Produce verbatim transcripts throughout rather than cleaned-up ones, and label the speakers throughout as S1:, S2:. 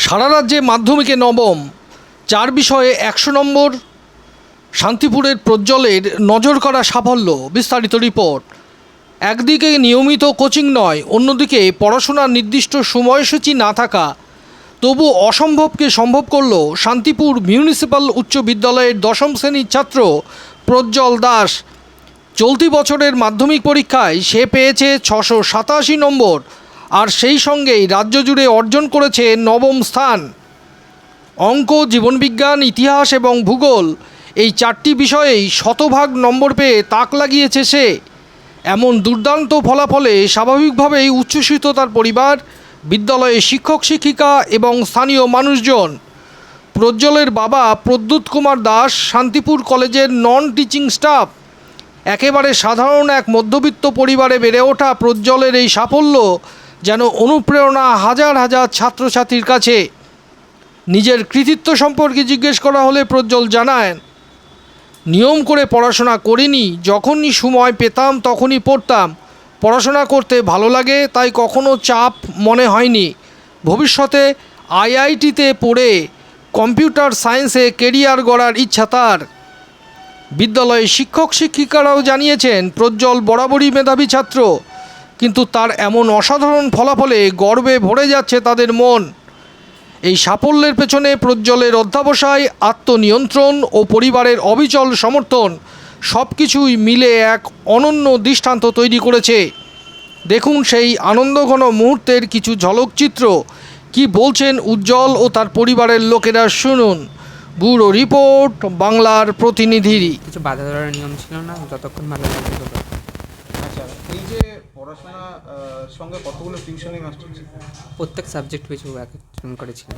S1: সারা রাজ্যে মাধ্যমিকে নবম, চার বিষয়ে একশো নম্বর। শান্তিপুরের প্রজ্জ্বলের নজর করা সাফল্য। বিস্তারিত রিপোর্ট। একদিকে নিয়মিত কোচিং নয়, অন্যদিকে পড়াশোনার নির্দিষ্ট সময়সূচি না থাকা তবু অসম্ভবকে সম্ভব করল শান্তিপুর মিউনিসিপ্যাল উচ্চ বিদ্যালয়ের দশম শ্রেণীর ছাত্র প্রজ্জ্বল দাস। চলতি বছরের মাধ্যমিক পরীক্ষায় সে পেয়েছে ছশো সাতাশি নম্বর, আর সেই সঙ্গেই রাজ্য জুড়ে অর্জন করেছে নবম স্থান। অঙ্ক, জীবনবিজ্ঞান, ইতিহাস এবং ভূগোল এই চারটি বিষয়েই শতভাগ নম্বর পেয়ে তাক লাগিয়েছে সে। এমন দুর্দান্ত ফলাফলে স্বাভাবিকভাবেই উচ্ছ্বসিত তার পরিবার, বিদ্যালয়ের শিক্ষক শিক্ষিকা এবং স্থানীয় মানুষজন। প্রজ্জ্বলের বাবা প্রদ্যুৎ কুমার দাস শান্তিপুর কলেজের নন টিচিং স্টাফ। একেবারে সাধারণ এক মধ্যবিত্ত পরিবারে বেড়ে ওঠা প্রজ্জ্বলের এই সাফল্য যেন অনুপ্রেরণা হাজার হাজার ছাত্রছাত্রীর কাছে। নিজের কৃতিত্ব সম্পর্কে জিজ্ঞেস করা হলে প্রজ্জ্বল জানায়, নিয়ম করে পড়াশোনা করিনি, যখনই সময় পেতাম তখনই পড়তাম। পড়াশোনা করতে ভালো লাগে, তাই কখনো চাপ মনে হয়নি। ভবিষ্যতে আইআইটিতে পড়ে কম্পিউটার সায়েন্সে কেরিয়ার গড়ার ইচ্ছা তার। বিদ্যালয়ে শিক্ষক শিক্ষিকারাও জানিয়েছেন প্রজ্জ্বল বরাবরই মেধাবী ছাত্র, কিন্তু তার এমন অসাধারণ ফলাফলে গর্বে ভরে যাচ্ছে তাদের মন। এই সাফল্যের পেছনে প্রজ্জ্বলের অধ্যবসায়, আত্মনিয়ন্ত্রণ ও পরিবারের অবিচল সমর্থন সব কিছুই মিলে এক অনন্য দৃষ্টান্ত তৈরি করেছে। দেখুন সেই আনন্দঘন মুহূর্তের কিছু ঝলকচিত্র। কি বলছেন উজ্জ্বল ও তার পরিবারের লোকেরা, শুনুন। ব্যুরো রিপোর্ট, বাংলার প্রতিনিধি।
S2: কিছু বাধা ধরার নিয়ম ছিল না, যতক্ষণ ভালো লাগবে ততক্ষণ।
S3: আচ্ছা, এই যে পড়াশোনা সঙ্গে কতগুলো টিউশনি মাস্টার ছিল?
S2: প্রত্যেক সাবজেক্ট পিছু এক একজন করেছিলেন।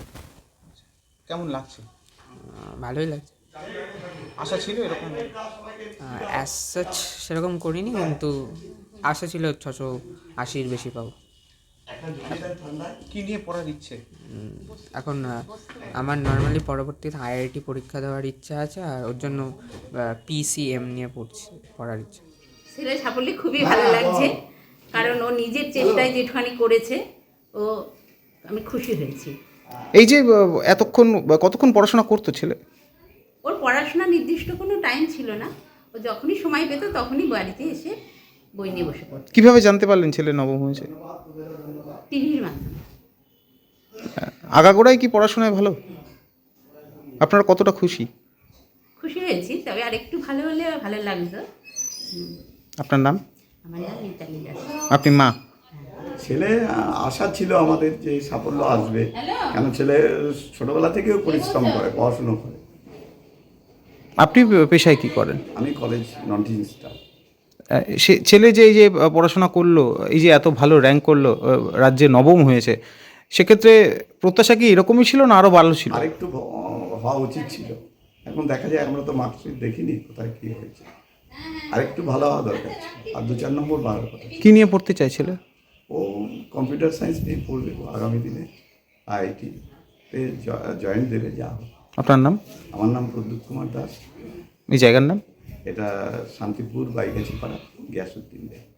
S3: কেমন লাগছে?
S2: ভালোই লাগছে।
S3: আশা ছিল এরকম?
S2: অ্যাজ সাচ সেরকম করিনি, কিন্তু আশা ছিল ছশো আশির বেশি পাবো।
S3: কী নিয়ে পড়ার ইচ্ছে?
S2: এখন আমার নর্মালি পরবর্তীতে আইআইটি পরীক্ষা দেওয়ার ইচ্ছা আছে, আর ওর জন্য পিসিএম নিয়ে পড়ছি পড়ার ইচ্ছা।
S4: ছেলের সাফল্যে খুবই ভালো লাগছে, কারণ ও নিজের চেষ্টায় যেটুখানি করেছে, ও আমি খুশি হয়েছি।
S3: এই যে এতক্ষণ কতক্ষণ পড়াশোনা করতো ছেলে?
S4: ওর পড়াশোনা নির্দিষ্ট কোনো টাইম ছিল না, ও যখনই সময় পেত তখনই বাড়িতে এসে বই নিয়ে বসে পড়ত।
S3: কিভাবে জানতে পারলেন ছেলে নবম হয়েছে?
S4: টিভির মাধ্যমে।
S3: আগাগোড়াই কি পড়াশোনায় ভালো? আপনারা কতটা খুশি?
S4: খুশি হয়েছি, তবে আর একটু ভালো হলে ভালো লাগতো।
S3: আপনার নাম?
S4: আমার নাম মিতালি দাস।
S3: আপনি মা?
S5: ছেলে আশা ছিল আমাদের যে সাফল্য আসবে, কেন ছেলে ছোটবেলা থেকেও পরিশ্রম করে, পড়াশুনো করে।
S3: আপনি পেশায় কি করেন?
S5: আমি কলেজ নন টিচিং স্টাফ।
S3: সে ছেলে যে এই যে পড়াশোনা করলো, এই যে এত ভালো র্যাঙ্ক করলো, রাজ্যে নবম হয়েছে, সেক্ষেত্রে প্রত্যাশা কি এরকমই ছিল না আরও ভালো ছিল?
S5: আরেকটু হওয়া উচিত ছিল। এখন দেখা যায় আমরা তো মার্কশিট দেখিনি কোথায় কী হয়েছে, আরেকটু ভালো হওয়া দরকার ছিল, আর দু চার নম্বর বাড়ার কথা।
S3: কী নিয়ে পড়তে চাইছিল
S5: ও? কম্পিউটার সায়েন্স নিয়ে পড়বে আগামী দিনে, আইআইটিতে জয়েন দেবে যা হোক।
S3: আপনার নাম?
S5: আমার নাম প্রদ্যুৎ কুমার দাস।
S3: এই জায়গার নাম?
S5: এটা শান্তিপুর বাইগাছিপাড়া, গ্যাসউদ্দিন।